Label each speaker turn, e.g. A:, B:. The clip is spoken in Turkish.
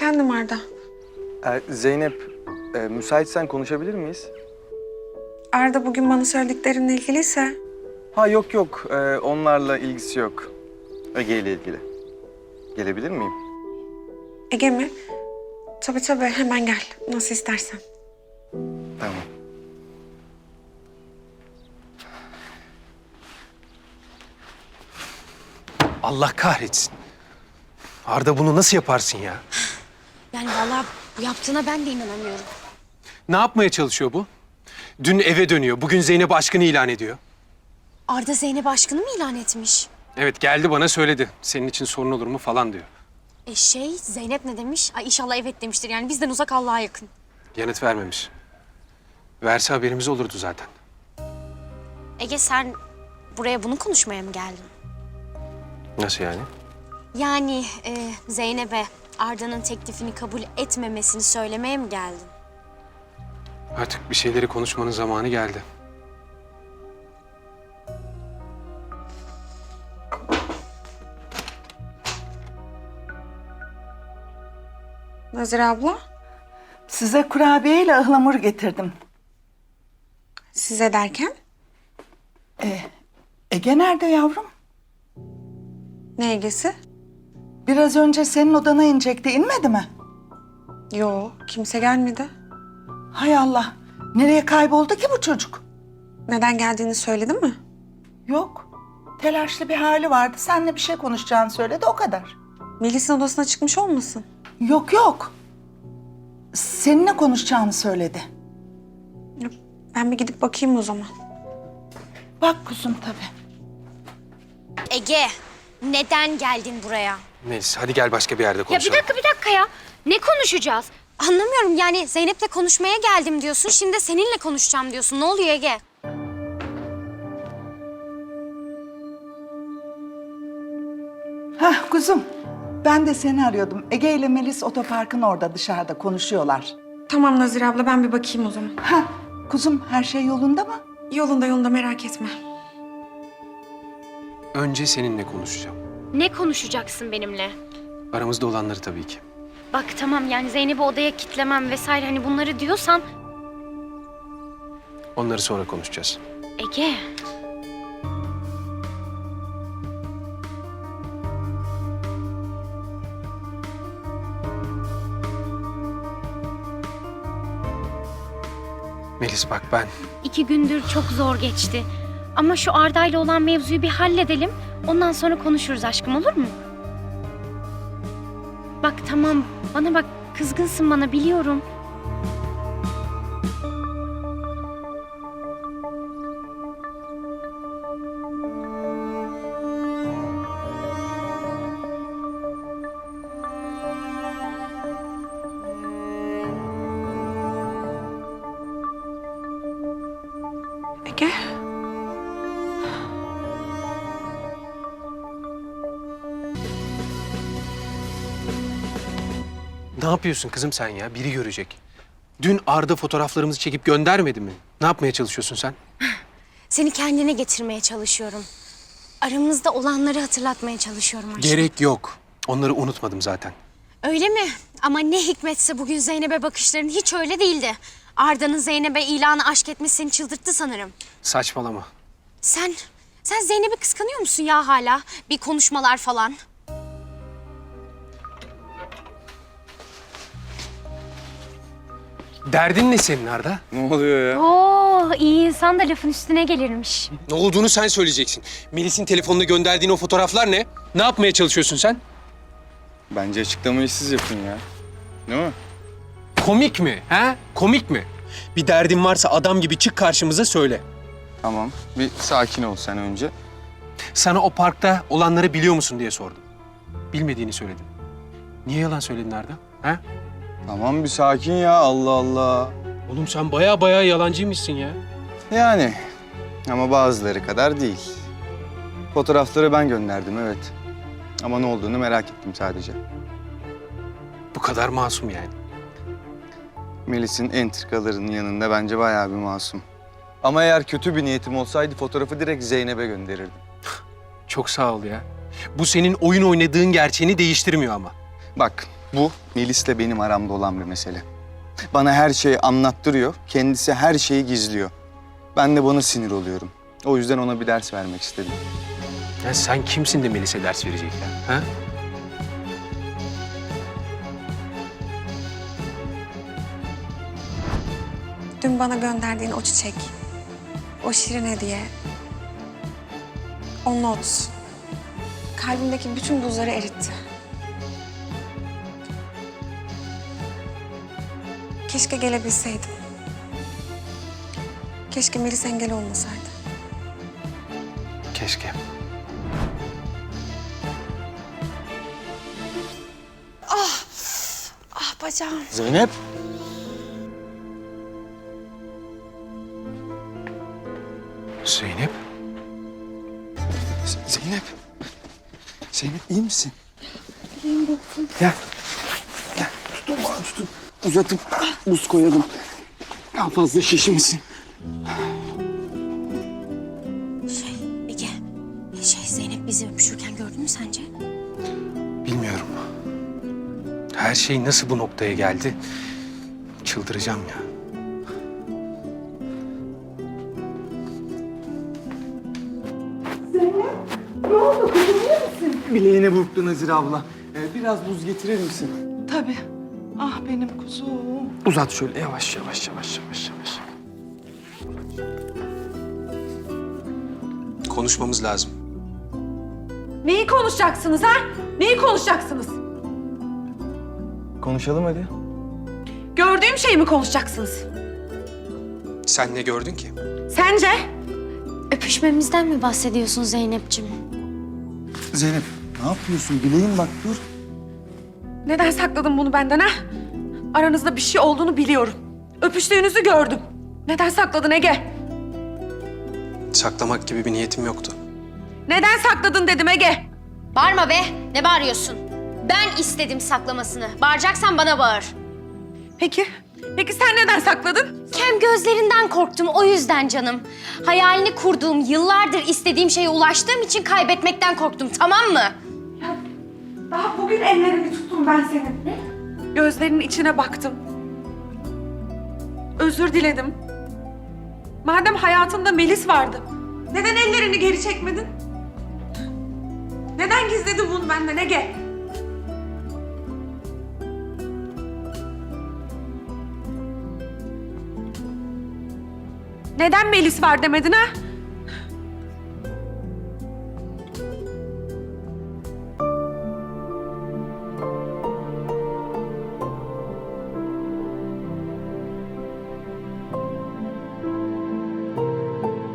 A: Efendim Arda.
B: Zeynep, müsaitsen konuşabilir miyiz?
A: Arda bugün bana söylediklerinle ilgiliyse...
B: Ha yok, onlarla ilgisi yok. Ege ile ilgili. Gelebilir miyim?
A: Ege mi? Tabii hemen gel. Nasıl istersen.
B: Tamam.
C: Allah kahretsin. Arda bunu nasıl yaparsın ya?
D: Yani vallahi bu yaptığına ben de inanamıyorum.
C: Ne yapmaya çalışıyor bu? Dün eve dönüyor, bugün Zeynep aşkını ilan ediyor.
D: Arda Zeynep aşkını mı ilan etmiş?
C: Evet geldi bana söyledi. Senin için sorun olur mu falan diyor.
D: Zeynep ne demiş? Ay inşallah evet demiştir. Yani bizden uzak Allah'a yakın.
C: Yanıt vermemiş. Verse haberimiz olurdu zaten.
D: Ege sen buraya bunu konuşmaya mı geldin?
C: Nasıl yani?
D: Yani Zeynep'e Arda'nın teklifini kabul etmemesini söylemeye mi geldin?
C: Artık bir şeyleri konuşmanın zamanı geldi.
A: Nazire abla,
E: Size kurabiye ile ıhlamur getirdim.
A: size derken?
E: Ege nerede yavrum?
A: Ne Ege'si?
E: Biraz önce senin odana inecekti, inmedi mi?
A: Yo, kimse gelmedi.
E: Hay Allah, nereye kayboldu ki bu çocuk?
A: Neden geldiğini söyledi mi?
E: Yok, telaşlı bir hali vardı. Seninle bir şey konuşacağını söyledi, o kadar.
A: Melis'in odasına çıkmış olmasın?
E: Yok. Seninle konuşacağını söyledi.
A: Ben bir gidip bakayım o zaman.
E: Bak kuzum tabii.
D: Ege neden geldin buraya?
C: Melis hadi gel başka bir yerde
D: Ya
C: konuşalım.
D: bir dakika ya. Ne konuşacağız? Anlamıyorum yani Zeynep'le konuşmaya geldim diyorsun. Şimdi de seninle konuşacağım diyorsun. Ne oluyor Ege?
E: Hah kuzum, ben de seni arıyordum. Ege ile Melis otoparkın orada dışarıda konuşuyorlar.
A: Tamam Nazire abla, ben bir bakayım o zaman.
E: Hah, kuzum her şey yolunda mı?
A: Yolunda merak etme.
C: Önce seninle konuşacağım.
F: Ne konuşacaksın benimle?
C: Aramızda olanları tabii ki.
F: Bak tamam yani Zeynep'i odaya kitlemem vesaire hani bunları diyorsan...
C: Onları sonra konuşacağız.
F: Ege.
C: Melis bak ben
F: 2 gündür çok zor geçti. Ama şu Arda'yla olan mevzuyu bir halledelim. Ondan sonra konuşuruz aşkım, olur mu? Bak tamam, bana bak, kızgınsın bana biliyorum.
A: Ege.
C: ne yapıyorsun kızım sen ya? Biri görecek. Dün Arda fotoğraflarımızı çekip göndermedi mi? Ne yapmaya çalışıyorsun sen?
D: Seni kendine getirmeye çalışıyorum. Aramızda olanları hatırlatmaya çalışıyorum aşkım.
C: Gerek yok. Onları unutmadım zaten.
D: Öyle mi? Ama ne hikmetse bugün Zeynep'e bakışların hiç öyle değildi. Arda'nın Zeynep'e ilanı aşk etmesi seni çıldırttı sanırım.
C: Saçmalama.
D: Sen Zeynep'i kıskanıyor musun ya hala? Bir konuşmalar falan.
C: Derdin ne senin Arda?
B: Ne oluyor ya?
F: Oo, iyi insan da lafın üstüne gelirmiş.
C: Ne olduğunu sen söyleyeceksin. Melis'in telefonuna gönderdiğin o fotoğraflar ne? Ne yapmaya çalışıyorsun sen?
B: Bence açıklamayı siz yapın ya. Değil mi?
C: Komik mi? He? Komik mi? Bir derdin varsa adam gibi çık karşımıza söyle.
B: Tamam, bir sakin ol sen önce.
C: Sana o parkta olanları biliyor musun diye sordum. Bilmediğini söyledin. Niye yalan söyledin Arda? He?
B: Tamam bir sakin ya, Allah Allah.
C: Oğlum sen baya yalancıymışsın ya.
B: Yani ama bazıları kadar değil. Fotoğrafları ben gönderdim evet. Ama ne olduğunu merak ettim sadece.
C: Bu kadar masum yani.
B: Melis'in entrikalarının yanında bence bayağı bir masum. Ama eğer kötü bir niyetim olsaydı fotoğrafı direkt Zeynep'e gönderirdim.
C: Çok sağ ol ya. Bu senin oyun oynadığın gerçeğini değiştirmiyor ama.
B: Bak Bu Melis'le benim aramda olan bir mesele. Bana her şeyi anlattırıyor, kendisi her şeyi gizliyor. Ben de buna sinir oluyorum. O yüzden ona bir ders vermek istedim.
C: Ya sen kimsin de Melis'e ders verecek ya? Ha?
A: Dün bana gönderdiğin o çiçek, o şirin hediye, o not, kalbimdeki bütün buzları eritti. Keşke gelebilseydim. Keşke Melis engel olmasaydı.
C: Keşke.
A: Ah bacağım.
B: Zeynep!
C: Zeynep.
B: Zeynep! Zeynep iyi misin? İyiyim doktor. Gel. Gel. Tutun bana tutun. Uzatıp buz koyalım. Daha fazla şişmesin.
D: Ege, Zeynep bizi öpüşürken gördün mü sence?
C: Bilmiyorum. Her şey nasıl bu noktaya geldi? Çıldıracağım ya.
B: Bileğine burktu Nazire abla. Biraz buz getirir misin?
E: Tabii. Ah benim kuzum.
C: Uzat şöyle yavaş yavaş yavaş yavaş yavaş. Konuşmamız lazım.
G: Neyi konuşacaksınız ha? Neyi konuşacaksınız?
B: Konuşalım hadi.
G: Gördüğüm şeyi mi konuşacaksınız?
C: Sen ne gördün ki?
G: Sence?
D: Öpüşmemizden mi bahsediyorsun Zeynep'ciğim?
B: Zeynep ne yapıyorsun? Bileğim bak dur.
G: Neden sakladın bunu benden ha? Aranızda bir şey olduğunu biliyorum. Öpüştüğünüzü gördüm. Neden sakladın Ege?
C: Saklamak gibi bir niyetim yoktu.
G: Neden sakladın dedim Ege.
D: Bağırma be, ne bağırıyorsun? Ben istedim saklamasını. Bağıracaksan bana bağır.
G: Peki sen neden sakladın?
D: Kem gözlerinden korktum, o yüzden canım. Hayalini kurduğum, yıllardır istediğim şeye ulaştığım için kaybetmekten korktum, tamam mı?
G: Daha bugün ellerini tuttum ben senin. Gözlerinin içine baktım. Özür diledim. Madem hayatında Melis vardı, neden ellerini geri çekmedin? Neden gizledin bunu benden Ege? Neden Melis var demedin ha?